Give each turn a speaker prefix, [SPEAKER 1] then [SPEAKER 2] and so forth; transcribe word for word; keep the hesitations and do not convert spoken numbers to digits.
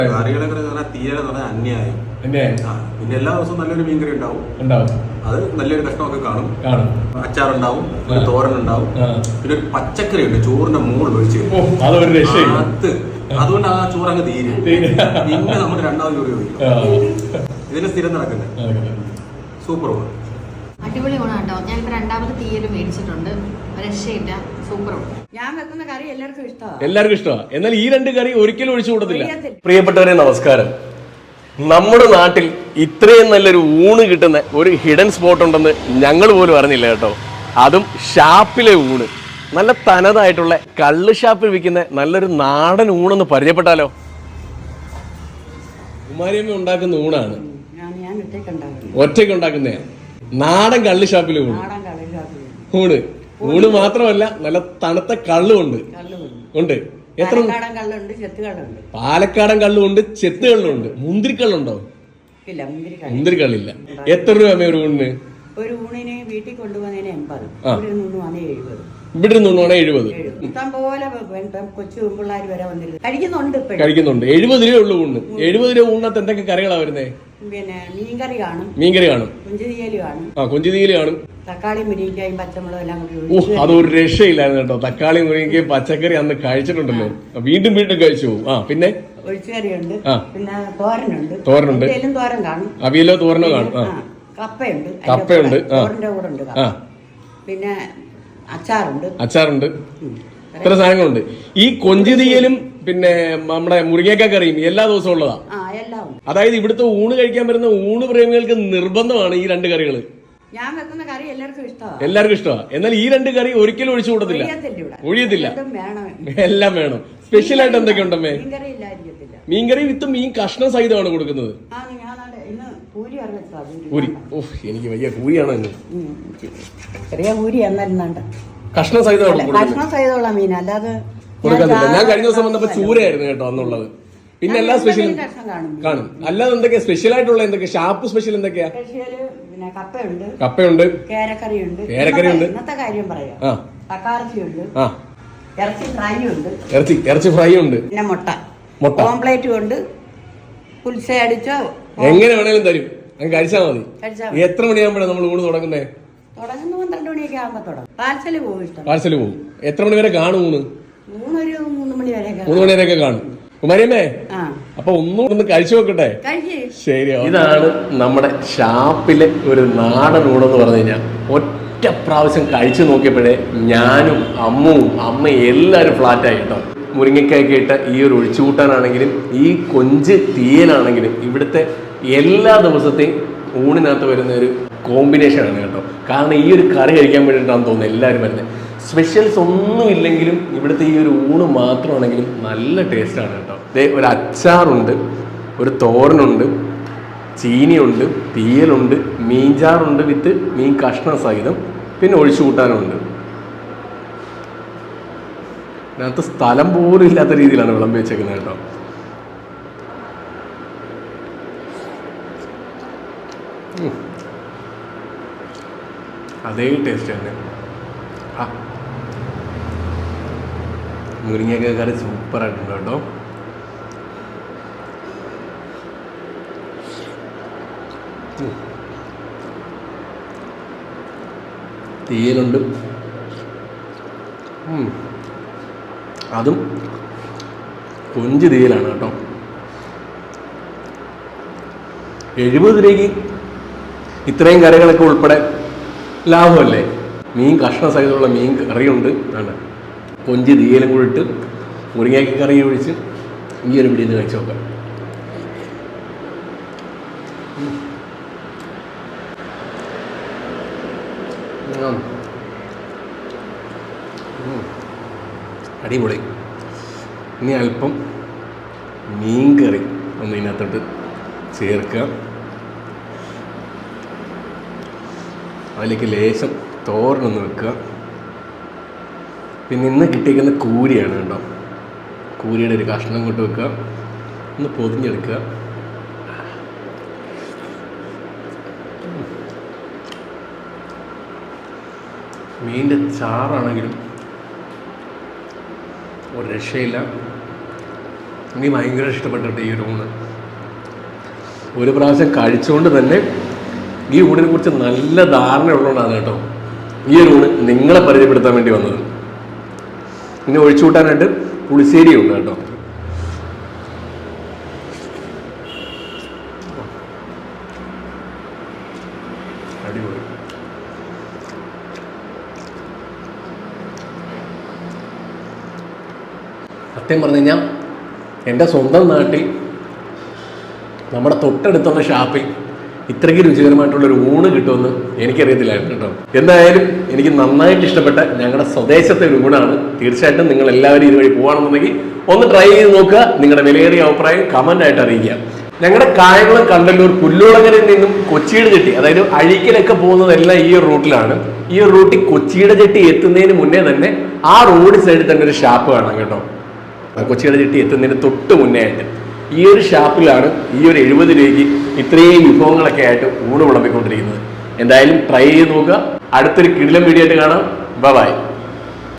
[SPEAKER 1] കറികളൊക്കെ തീരെ അന്യായം. പിന്നെ എല്ലാ ദിവസവും നല്ലൊരു മീൻകറി ഉണ്ടാവും ഉണ്ടാവും അത് നല്ലൊരു കഷ്ണമൊക്കെ കാണും കാണും അച്ചാറുണ്ടാവും, തോരൻ ഉണ്ടാവും, പിന്നെ ഒരു പച്ചക്കറി ഉണ്ട് ചോറിന്റെ മുകളിൽ ഒഴിച്ച് അത് അതുകൊണ്ട് ആ ചോറ് അങ്ങ് തീരും. പിന്നെ നമ്മൾ രണ്ടാമത് ചോറ് ചോദിക്കും. ഇതിന് സ്ഥിരം നടക്കുന്നത് സൂപ്പർ ഊണ്,
[SPEAKER 2] അടിപൊളി ഊണാട്ടോ. ഞാനിപ്പോ രണ്ടാമത് തീയല് മേടിച്ചിട്ടുണ്ട്, രക്ഷയില്ല, സൂപ്പർ ഊണ്.
[SPEAKER 3] ഞാൻ വെക്കുന്ന കറി എല്ലാവർക്കും ഇഷ്ടമാണ്
[SPEAKER 4] എല്ലാവർക്കും ഇഷ്ടമാണ്. എന്നാൽ ഈ രണ്ട് കറി ഒരിക്കലും ഒഴിച്ചു കൂടത്തില്ല. പ്രിയപ്പെട്ടവരെ നമസ്കാരം. നമ്മുടെ നാട്ടിൽ ഇത്രയും നല്ലൊരു ഊണ് കിട്ടുന്ന ഒരു ഹിഡൻ സ്പോട്ട് ഉണ്ടെന്ന് ഞങ്ങൾ പോലും അറിഞ്ഞില്ല കേട്ടോ. അതും ഷാപ്പിലെ ഊണ്, നല്ല തനതായിട്ടുള്ള കള്ള് ഷാപ്പിൽ വിൽക്കുന്ന നല്ലൊരു നാടൻ ഊണെന്ന് പരിചയപ്പെട്ടാലോ. കുമാരിയമ്മ ഉണ്ടാക്കുന്ന ഊണാണ്, ഒറ്റയ്ക്ക് ഉണ്ടാക്കുന്നേ നാടൻ കള്ള് ഷാപ്പിലെ ഊണ്. ഊണ് ഊണ് മാത്രമല്ല നല്ല തണുത്ത കള്ളുണ്ട് ഉണ്ട്. എത്ര പാലക്കാടൻ കള്ളുണ്ട്, ചെത്ത് കള്ളുണ്ട്, മുന്തിരിക്കള്ളുണ്ടോ? മുന്തിരിക്കള്ളില്ല. എത്ര രൂപ ഒരു ഊണിന്?
[SPEAKER 3] ഒരു ഊണിന് വീട്ടിൽ കൊണ്ടുപോകുന്നതിന് എൺപത്, എഴുപത്.
[SPEAKER 4] ഇവിടെ നിന്നാണ് എഴുപത്.
[SPEAKER 3] ഇഷ്ടംപോലെ കൊച്ചു പിള്ളേർ വരെ വന്നിരുന്നു കഴിക്കുന്നുണ്ട്
[SPEAKER 4] കഴിക്കുന്നുണ്ട് എഴുപത് രൂപ ഉള്ളു ഊണ്. എഴുപത് രൂപ ഊണിനകത്ത് എന്തൊക്കെ കറികളാ വരുന്നേ?
[SPEAKER 3] പിന്നെ മീൻകറി കാണും,
[SPEAKER 4] മീൻകറി കാണും,
[SPEAKER 3] കൊഞ്ചുതീയല് കാണും,
[SPEAKER 4] ആ കൊഞ്ചുതീയല് കാണും,
[SPEAKER 3] തക്കാളി മുരിങ്ങക്കായും പച്ചമുളകും എല്ലാം കൂടി.
[SPEAKER 4] ഓ അതൊരു രക്ഷയില്ലായിരുന്നു കേട്ടോ. തക്കാളി മുരിങ്ങയും പച്ചക്കറി അന്ന് കഴിച്ചിട്ടുണ്ടല്ലോ, വീണ്ടും വീണ്ടും കഴിച്ചു പോകും. ആ പിന്നെ
[SPEAKER 3] ഒഴിച്ചുകറിയുണ്ട്, പിന്നെ തോരനുണ്ട്,
[SPEAKER 4] തോരനുണ്ട്,
[SPEAKER 3] തോരൻ കാണും,
[SPEAKER 4] അവിയലോ തോരനോ കാണും,
[SPEAKER 3] കപ്പയുണ്ട്,
[SPEAKER 4] കപ്പയുണ്ട്,
[SPEAKER 3] തോരന്റെ കൂടെ ഉണ്ട്, പിന്നെ അച്ചാറുണ്ട്,
[SPEAKER 4] അച്ചാറുണ്ട്, ഇത്ര സാധനങ്ങളുണ്ട്. ഈ കൊഞ്ചുതീയലും പിന്നെ നമ്മുടെ മുരിങ്ങക്ക കറിയും എല്ലാ ദിവസവും ഉള്ളതാ. അതായത് ഇവിടുത്തെ ഊണ് കഴിക്കാൻ വരുന്ന ഊണ് പ്രേമികൾക്ക് നിർബന്ധമാണ് ഈ രണ്ട് കറികൾ.
[SPEAKER 3] ഞാൻ വെക്കുന്ന കറി എല്ലാവർക്കും ഇഷ്ടമാണ്
[SPEAKER 4] എല്ലാവർക്കും ഇഷ്ടമാണ്. എന്നാൽ ഈ രണ്ട് കറി ഒരിക്കലും ഒഴിച്ചു കൂടത്തില്ല, ഒഴിയത്തില്ല, എല്ലാം വേണം. സ്പെഷ്യൽ ആയിട്ട് എന്തൊക്കെ ഉണ്ടമ്മേ? മീൻകറി വിത്ത് മീൻ കഷ്ണം സഹിതമാണ് കൊടുക്കുന്നത്. പൂരി, ഓഹ് എനിക്ക് വലിയ പൂരിയാണോ ഇന്ന്?
[SPEAKER 3] ചെറിയ പൂരി എന്നാലും
[SPEAKER 4] കഷ്ണം സഹിതമാണ്
[SPEAKER 3] കഷ്ണം സഹിതമുള്ള മീൻ അല്ലാതെ
[SPEAKER 4] കൊടുക്കുന്നില്ല. ഞാൻ കഴിഞ്ഞ ദിവസം വന്നപ്പോ ചൂരയായിരുന്നു കേട്ടോ അന്നുള്ളത്. പിന്നെ എല്ലാ സ്പെഷ്യലും കാണും. അല്ലാതെ എന്തൊക്കെയാ സ്പെഷ്യൽ ആയിട്ടുള്ള എന്തൊക്കെയാ? ഷാപ്പ് സ്പെഷ്യൽ എന്തൊക്കെയാ?
[SPEAKER 3] കപ്പയുണ്ട്,
[SPEAKER 4] കപ്പയുണ്ട്,
[SPEAKER 3] കേരക്കറിയുണ്ട്,
[SPEAKER 4] കേരക്കറിയുണ്ട്,
[SPEAKER 3] ഇന്നത്തെ കാര്യം പറയാം, തക്കാർച്ചിയുണ്ട്, ഇറച്ചി ഫ്രൈ ഉണ്ട്,
[SPEAKER 4] ഇറച്ചി ഇറച്ചി ഫ്രൈ ഉണ്ട്,
[SPEAKER 3] പിന്നെ മുട്ട
[SPEAKER 4] മുട്ട
[SPEAKER 3] ഓംപ്ലേറ്റും ഉണ്ട്. പുൽസ അടിച്ചോ
[SPEAKER 4] എങ്ങനെ വേണേലും തരും, അങ്ങ് കഴിച്ചാൽ മതി. എത്ര മണിയാകുമ്പോഴാണ് നമ്മൾ ഊണ് തുടങ്ങുന്നേ?
[SPEAKER 3] തുടങ്ങുന്ന പന്ത്രണ്ട് മണിയൊക്കെ ആകുമ്പോ തുടങ്ങും. പാർസല് പോകും, ഇഷ്ടം
[SPEAKER 4] പാർസല് പോകും. എത്ര മണി വരെ കാണും ഊണ്?
[SPEAKER 3] മൂന്നൊരു മൂന്ന് മണി വരെ
[SPEAKER 4] മൂന്ന് മണി വരെയൊക്കെ കാണും. കുമാരിയമ്മേ, അപ്പൊ ഒന്നും ഒന്ന് കഴിച്ചു നോക്കട്ടെ. ശരി, ഇതാണ് നമ്മുടെ ഷാപ്പിലെ ഒരു നാടൻ ഊണെന്ന് പറഞ്ഞു കഴിഞ്ഞാൽ ഒറ്റ പ്രാവശ്യം കഴിച്ചു നോക്കിയപ്പോഴേ ഞാനും അമ്മുവും അമ്മയും എല്ലാവരും ഫ്ലാറ്റായി കേട്ടോ. മുരിങ്ങയ്ക്കൊക്കെ ഇട്ട ഈ ഒരു ഒഴിച്ചുകൂട്ടാനാണെങ്കിലും ഈ കൊഞ്ച് തീയലാണെങ്കിലും ഇവിടുത്തെ എല്ലാ ദിവസത്തെയും ഊണിനകത്ത് വരുന്ന ഒരു കോമ്പിനേഷനാണ് കേട്ടോ. കാരണം ഈ ഒരു കറി കഴിക്കാൻ വേണ്ടിയിട്ടാണ് തോന്നുന്നത് എല്ലാവരും വരുന്നത്. സ്പെഷ്യൽസ് ഒന്നും ഇല്ലെങ്കിലും ഇവിടുത്തെ ഈ ഒരു ഊണ് മാത്രമാണെങ്കിലും നല്ല ടേസ്റ്റാണ് കേട്ടോ. ദേ ഒരു അച്ചാറുണ്ട്, ഒരു തോരനുണ്ട്, ചീനിയുണ്ട്, തീയലുണ്ട്, മീൻചാറുണ്ട് വിത്ത് മീൻ കഷ്ണ സഹിതം, പിന്നെ ഒഴിച്ചു കൂട്ടാനുണ്ട്. അതിനകത്ത് സ്ഥലം പോലും ഇല്ലാത്ത രീതിയിലാണ് വിളമ്പി വെച്ചേക്കുന്നത് കേട്ടോ. അതേ ടേസ്റ്റ് തന്നെ. ആ മുരിങ്ങക്ക കറി സൂപ്പറായിട്ടുണ്ട് കേട്ടോ. തീയലുണ്ട്, അതും കൊഞ്ച് തീയലാണ് കേട്ടോ. എഴുപത് രൂപയ്ക്ക് ഇത്രയും കറികളൊക്കെ ഉൾപ്പെടെ ലാഭമല്ലേ? മീൻ കഷ്ണ സഹിതമുള്ള മീൻ കറിയുണ്ട്, ആണ് കൊഞ്ച് തീയലും കൂടി ഇട്ട് മുരിങ്ങയ്ക്ക കറി ഒഴിച്ച് ഈ ഒരു പിടിയിൽ നിന്ന് കഴിച്ച് നോക്കാം. അടിപൊളി. ഇനി അല്പം മീൻ കറി ഒന്ന് ഇതിനകത്തോട്ട് ചേർക്കുക. അതിലേക്ക് ലേശം തോരനൊന്ന് വെക്കുക. പിന്നെ ഇന്ന് കിട്ടിയിരിക്കുന്ന കൂരിയാണ് കേട്ടോ. കൂരിയുടെ ഒരു കഷ്ണം കൊണ്ട് വെക്കുക, ഒന്ന് പൊതിഞ്ഞെടുക്കുക. മീനിൻ്റെ ചാറാണെങ്കിലും ഒരു രക്ഷയില്ല. എനിക്ക് ഭയങ്കര ഇഷ്ടപ്പെട്ടിട്ട് ഈ ഒരു ഊണ്. ഒരു പ്രാവശ്യം കഴിച്ചുകൊണ്ട് തന്നെ ഈ ഊണിനെ കുറിച്ച് നല്ല ധാരണ ഉള്ളതുകൊണ്ടാണ് കേട്ടോ ഈ ഒരു ഊണ് നിങ്ങളെ പരിചയപ്പെടുത്താൻ വേണ്ടി വന്നത്. ഇനി ഒഴിച്ചു കൂട്ടാനായിട്ട് പുളിശ്ശേരി ഉണ്ട് കേട്ടോ. അടിപൊളി. സത്യം പറഞ്ഞു കഴിഞ്ഞാൽ എൻ്റെ സ്വന്തം നാട്ടിൽ നമ്മുടെ തൊട്ടടുത്തുള്ള ഷാപ്പിൽ ഇത്രയ്ക്ക് രുചികരമായിട്ടുള്ളൊരു ഊണ് കിട്ടുമെന്ന് എനിക്കറിയത്തില്ലായിരുന്നു കേട്ടോ. എന്തായാലും എനിക്ക് നന്നായിട്ട് ഇഷ്ടപ്പെട്ട ഞങ്ങളുടെ സ്വദേശത്തെ ഒരു ഊണാണ്. തീർച്ചയായിട്ടും നിങ്ങൾ എല്ലാവരും ഇതുവഴി പോകുകയാണെന്നുണ്ടെങ്കിൽ ഒന്ന് ട്രൈ ചെയ്ത് നോക്കുക. നിങ്ങളുടെ വിലയേറിയ അഭിപ്രായം കമൻ്റ് ആയിട്ട് അറിയിക്കുക. ഞങ്ങളുടെ കായംകുളം കണ്ടല്ലൂർ പുല്ലുളങ്ങരയിൽ നിന്നും കൊച്ചിയുടെ ചെട്ടി, അതായത് അഴീക്കലൊക്കെ പോകുന്നതെല്ലാം ഈ ഒരു റൂട്ടിലാണ്. ഈ ഒരു റൂട്ടിൽ കൊച്ചിയുടെ ചെട്ടി എത്തുന്നതിന് മുന്നേ തന്നെ ആ റോഡ് സൈഡിൽ തന്നെ ഒരു ഷാപ്പ് കാണാം കേട്ടോ. കൊച്ചിയുടെ ചെട്ടി എത്തുന്നതിന് തൊട്ട് മുന്നേ ആയിട്ട് ഈ ഒരു ഷാപ്പിലാണ് ഈ ഒരു എഴുപത് രൂപയ്ക്ക് ഇത്രയും വിഭവങ്ങളൊക്കെ ആയിട്ട് ഊണ് വിളമ്പിക്കൊണ്ടിരിക്കുന്നത്. എന്തായാലും ട്രൈ ചെയ്ത് നോക്കുക. അടുത്തൊരു കിടിലം വീഡിയോ ആയിട്ട് കാണാം. Bye by.